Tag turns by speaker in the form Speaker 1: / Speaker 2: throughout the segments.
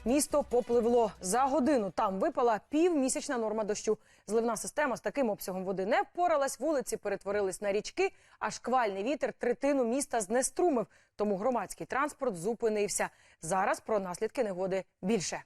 Speaker 1: місто попливло. За годину там випала півмісячна норма дощу. Зливна система з таким обсягом води не впоралась, вулиці перетворились на річки, а шквальний вітер третину міста знеструмив. Тому громадський транспорт зупинився. Зараз про наслідки негоди більше.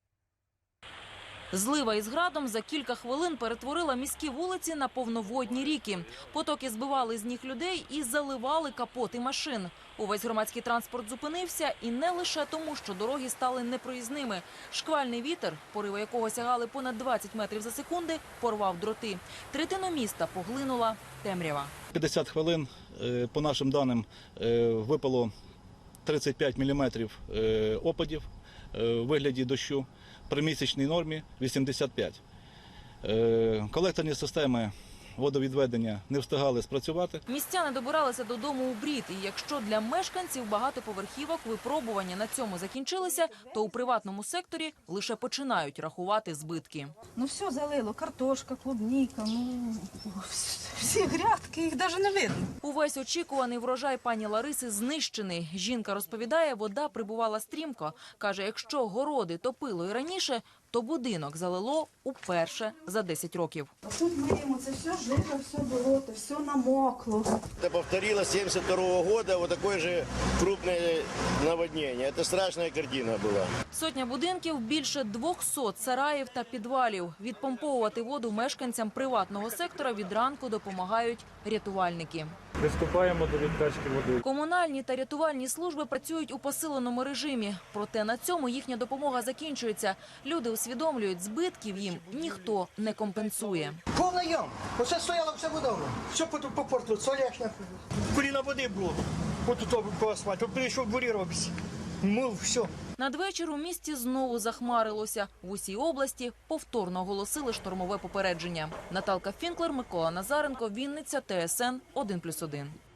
Speaker 2: Злива із градом за кілька хвилин перетворила міські вулиці на повноводні ріки. Потоки збивали з ніг людей і заливали капоти машин. Увесь громадський транспорт зупинився, і не лише тому, що дороги стали непроїзними. Шквальний вітер, пориви якого сягали понад 20 метрів за секунди, порвав дроти. Третину міста поглинула темрява.
Speaker 3: 50 хвилин, по нашим даним, випало 35 міліметрів опадів у вигляді дощу. При місячній нормі 85. Колекторні системи водовідведення не встигали спрацювати.
Speaker 2: Містяни добиралися додому у брід. І якщо для мешканців багатоповерхівок випробування на цьому закінчилися, то у приватному секторі лише починають рахувати збитки.
Speaker 4: Ну все залило, картошка, клубніка, всі грядки, їх навіть не видно.
Speaker 2: Увесь очікуваний врожай пані Лариси знищений. Жінка розповідає, вода прибувала стрімко. Каже, якщо городи топило і раніше, то будинок залило уперше за 10 років.
Speaker 4: Тут ми їмо, це все жито, все болото, все намокло.
Speaker 5: Это повторилось 1972 года, вот такое же крупное наводнение. Это страшная картина была.
Speaker 2: Сотня будинків, більше 200 сараїв та підвалів. Відпомповувати воду мешканцям приватного сектора від ранку допомагають рятувальники.
Speaker 6: Приступаємо до відкачки води.
Speaker 2: Комунальні та рятувальні служби працюють у посиленому режимі. Проте на цьому їхня допомога закінчується. Люди усвідомлюють, збитків їм ніхто не компенсує.
Speaker 7: Повна ям. Оце стояла вся вода. Все по порту, соляшня. Коліна води було. От тут по асфальту. Прийшов бурі робиться. Мив, все.
Speaker 2: Надвечір у місті знову захмарилося. В усій області повторно оголосили штормове попередження. Наталка Фінклер, Микола Назаренко, Вінниця, ТСН 1+1.